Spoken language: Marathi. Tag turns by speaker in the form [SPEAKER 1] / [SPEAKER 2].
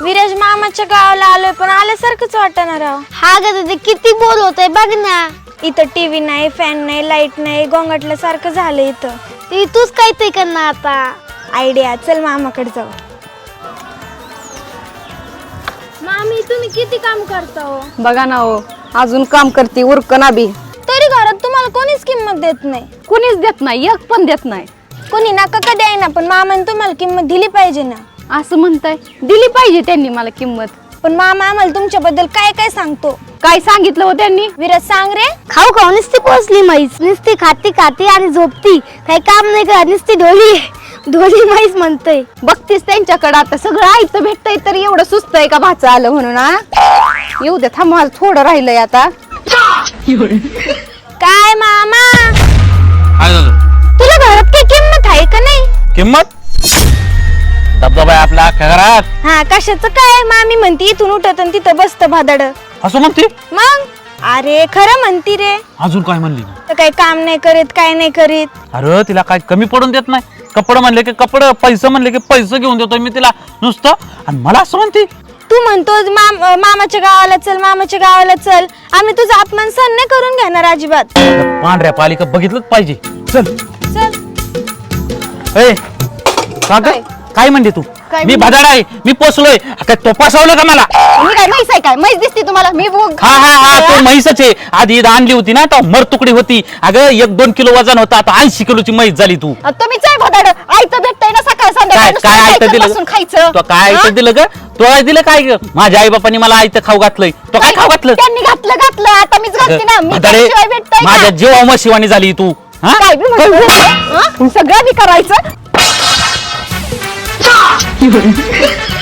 [SPEAKER 1] विराज मामाच्या गावाला आलोय पण आल्यासारखंच वाटणार राव.
[SPEAKER 2] हा ग दीदी किती बोर होतंय बघ ना.
[SPEAKER 1] इथं टीव्ही नाही, फॅन नाही, लाईट नाही, गोंगाटल्या सारखं झालं इथं.
[SPEAKER 2] ती तूच काहीतरी करणार आता.
[SPEAKER 1] आयडिया, चल मामाकडे जाऊ. मामी तुम्ही किती काम करता हो?
[SPEAKER 3] बघा ना हो, अजून काम करते उरकना बी.
[SPEAKER 1] तरी घरात तुम्हाला कोणीच किंमत देत नाही.
[SPEAKER 3] कुणीच देत नाही, एक पण देत नाही.
[SPEAKER 1] कोणी नका का द्याय पण मामाने तुम्हाला किंमत दिली पाहिजे ना.
[SPEAKER 3] असं म्हणताय, दिली पाहिजे त्यांनी मला किंमत.
[SPEAKER 1] पण मामा आम्हाला तुमच्याबद्दल काय काय सांगतो.
[SPEAKER 3] काय सांगितलं हो त्यांनी?
[SPEAKER 1] विराज सांग रे.
[SPEAKER 2] खाऊ खाऊ नुसती पोचली म्हैस, नुसती खाती खाती आणि झोपती, काही काम नाही करत, नुसती ढोली म्हैस म्हणतोय.
[SPEAKER 3] बघतीस त्यांच्याकडे आता सगळं ऐकतं भेटतंय तर एवढं सुस्त आहे का भाचं आलं म्हणून. येऊ दे, थांब मला थोडं राहिलंय आता.
[SPEAKER 1] काय मामा
[SPEAKER 4] काय झालं?
[SPEAKER 1] तुला घरात काही किंमत आहे का नाही?
[SPEAKER 4] किंमत दबदबा आहे आपल्या अख्ख्या घरात.
[SPEAKER 1] हा कशाचं काय? मामी म्हणती इथून उठत आणि तिथं बसत भादड.
[SPEAKER 4] असं म्हणते?
[SPEAKER 1] मग अरे खरं म्हणती रे.
[SPEAKER 4] अजून काय म्हणली?
[SPEAKER 1] तर काही काम नाही करीत, काय नाही करीत.
[SPEAKER 4] अरे तिला काय कमी पडून देत नाही. कपडे म्हणले की कपडे, पैसे म्हणले की पैसे घेऊन देतोय मी तिला नुसतं, आणि मला असं म्हणते.
[SPEAKER 1] तू म्हणतो मामाच्या गावाला चल, मामाच्या गावाला चल. आम्ही तुझा अपमान सहन नाही करून घेणार अजिबात.
[SPEAKER 4] पांढऱ्या पालिका बघितलंच पाहिजे. चल
[SPEAKER 1] चल.
[SPEAKER 4] ए काय म्हणते तू? मी भदाड आहे, मी पोचलोय. काय तो फसवलं का मला?
[SPEAKER 3] मी काय म्हैस आहे काय? म्हैस दिसते तुम्हाला? मी
[SPEAKER 4] हा तो म्हैसच आहे. आधी आणली होती ना, तो मरतुकडी होती. अगं 1-2 किलो वजन होता, आता 80 किलोची म्हैस झाली. तू
[SPEAKER 3] तुम्हीच आहे भदाड. आयतं भेटतंय ना सकाळ
[SPEAKER 4] काय
[SPEAKER 3] संध्याकाळ.
[SPEAKER 4] आयतं दिलं?
[SPEAKER 3] खायचं
[SPEAKER 4] तो काय आयतं दिलं ग? तो काय दिलं काय ग? माझ्या आई बापांनी मला आयतं खाऊ घातलंय. तो काय खाऊ घातलं?
[SPEAKER 3] त्यांनी घातलं आता मीच घालते ना. मी
[SPEAKER 4] भदाडे,
[SPEAKER 3] त्याशिवाय भेटतंय का?
[SPEAKER 4] माझ्या जीवा शिवानी झाली तू. हा?
[SPEAKER 3] काय बी म्हणतो? सगळं मी करायचं.